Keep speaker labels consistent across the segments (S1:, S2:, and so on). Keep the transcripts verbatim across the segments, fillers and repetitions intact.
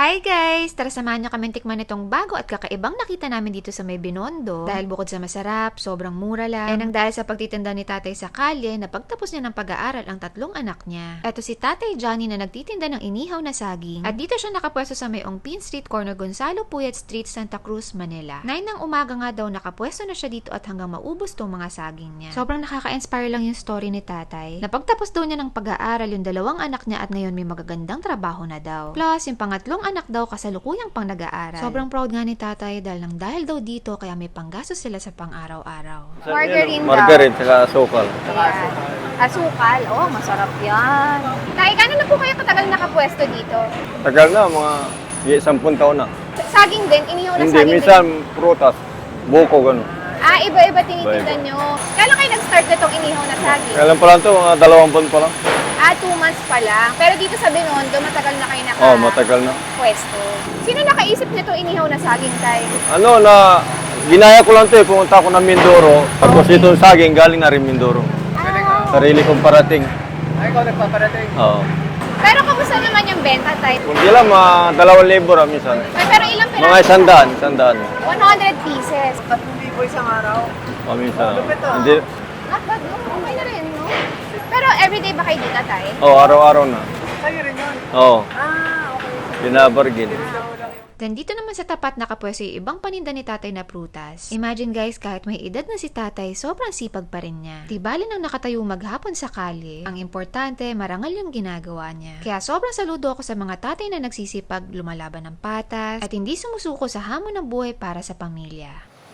S1: Hi guys! Tara samahan niyo kami tikman itong bago at kakaibang nakita namin dito sa may Binondo. Dahil bukod sa masarap, sobrang mura lang. And ang dahil sa pagtitinda ni tatay sa kalye, na pagtapos niya ng pag-aaral ang tatlong anak niya. Eto si Tatay Johnny na nagtitinda ng inihaw na saging. At dito siya nakapwesto sa may Ongpin Street, corner Gonzalo Puyat Street, Santa Cruz, Manila. nine ng umaga nga daw nakapwesto na siya dito at hanggang maubos tong mga saging niya. Sobrang nakaka-inspire lang yung story ni tatay. Napagtapos daw niya ng pag-aaral yung dalawang anak niya at ngayon may magagandang trabaho na daw. Plus, yung pangatlong anak daw kasalukuyang pang nag-aaral. Sobrang proud nga ni tatay dahil nang dahil daw dito kaya may panggastos sila sa pang-araw-araw.
S2: Margarine daw.
S3: Margarine, saka asukal.
S2: Ayan. Asukal. Oh, masarap yan. Tay, kano na po kayo katagal nakapwesto dito?
S3: Tagal na, mga sampung taon na.
S2: Saging din? Inihaw na
S3: Hindi,
S2: saging
S3: minsan
S2: din?
S3: prutas, buko, gano'n.
S2: Ah, iba-iba tinitinda
S3: Iba-iba.
S2: nyo. Kailan kayo nag-start na itong inihaw na saging?
S3: Kailan pa lang ito, mga dalawang buwan pa lang.
S2: Ah, two months pa lang. Pero dito sa Binondo, matagal na kayo naka...
S3: Oo, oh, matagal na.
S2: Pwesto. Sino nakaisip nito inihaw na saging, tay?
S3: Ano na, ginaya ko lang ito eh, pumunta ako ng Mindoro. Tapos
S2: Okay.
S3: ito saging, galing na rin Mindoro.
S2: Ah,
S3: Sarili kong parating.
S4: Ay, ikaw nagpaparating.
S3: Oo.
S2: pero kamusta naman yung benta, tay?
S3: Hindi lang, mga dalawang libo ra minsan.
S2: Ay, pero ilang piraso?
S3: Mga isandaan, isandaan.
S2: one hundred pieces.
S4: Tatlong libo isang araw.
S3: O minsan.
S4: Lupit, ah.
S3: Hindi,
S2: Not bad, no? Okay na rin, no? Pero everyday ba kayo dito, tay?
S3: oh, araw-araw na.
S4: Sa'yo rin yun.
S3: Oo,
S4: Ah, okay.
S3: binabargin.
S1: Then dito naman sa tapat nakapwesto yung ibang paninda ni tatay na prutas. Imagine guys, kahit may edad na si tatay, sobrang sipag pa rin niya. Di bali nang nakatayo maghapon sa kalye, ang importante, marangal yung ginagawa niya. Kaya sobrang saludo ako sa mga tatay na nagsisipag lumalaban ng patas at hindi sumusuko sa hamon ng buhay para sa pamilya.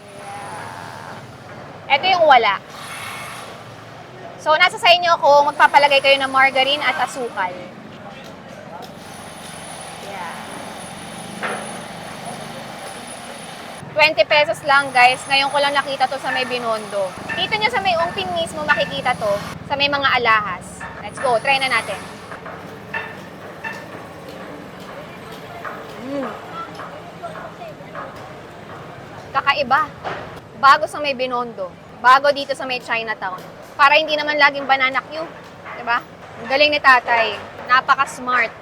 S2: Ito yung wala. So, nasa sa inyo kung magpapalagay kayo ng margarine at asukal. Yeah. twenty pesos lang, guys. Ngayon ko lang nakita to sa may Binondo. Dito nyo sa may Ongpin mismo makikita to sa may mga alahas. Let's go. Try na natin. Mm. Kakaiba. Bago sa may Binondo. Bago dito sa may Chinatown. Para hindi naman laging banana Q. Diba? Ang galing ni tatay. Napaka-smart.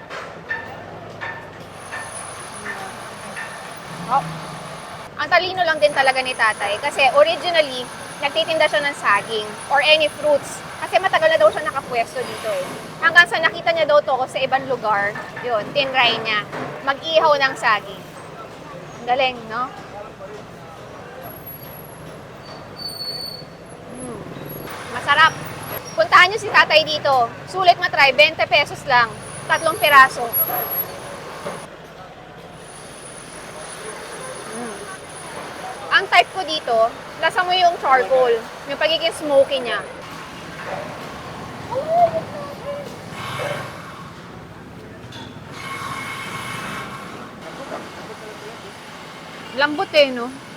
S2: Oh. Ang talino lang din talaga ni tatay. Kasi originally, nagtitinda siya ng saging or any fruits. Kasi matagal na daw siya nakapwesto dito eh. Hanggang sa nakita niya daw to ko sa ibang lugar. Yun, tinry niya. Mag-ihaw ng saging. Ang galing, no? Masarap. Puntahan nyo si tatay dito. Sulit matry, twenty pesos lang. Tatlong piraso. Mm. Ang type ko dito, lasa mo yung charcoal. Yung pagiging smoky niya. Lambot eh, no?